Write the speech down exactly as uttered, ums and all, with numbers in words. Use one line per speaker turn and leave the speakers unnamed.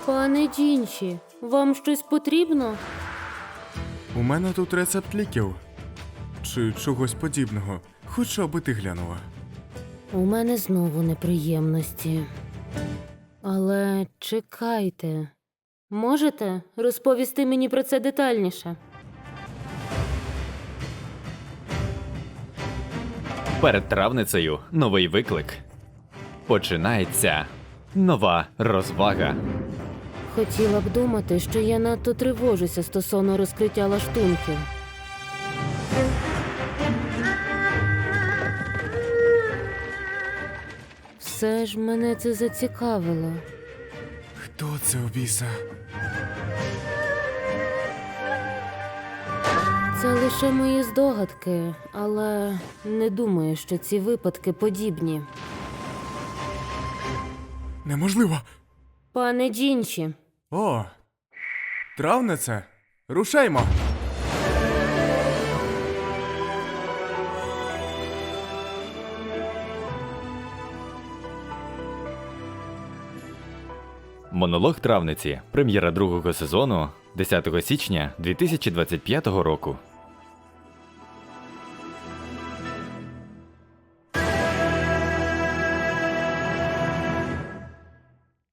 Пане Джінші, вам щось потрібно?
У мене тут рецепт ліків. Чи чогось подібного. Хочу, аби ти глянула.
У мене знову неприємності. Але чекайте. Можете розповісти мені про це детальніше?
Перед травницею новий виклик. Починається нова розвага.
Хотіла б думати, що я надто тривожуся стосовно розкриття лаштунків. Все ж мене це зацікавило.
Хто це у біса?
Це лише мої здогадки, але не думаю, що ці випадки подібні.
Неможливо.
Пане Джінші,
О, травниця. Рушаймо.
Монолог травниці. Прем'єра другого сезону десятого січня дві тисячі двадцять п'ятого року.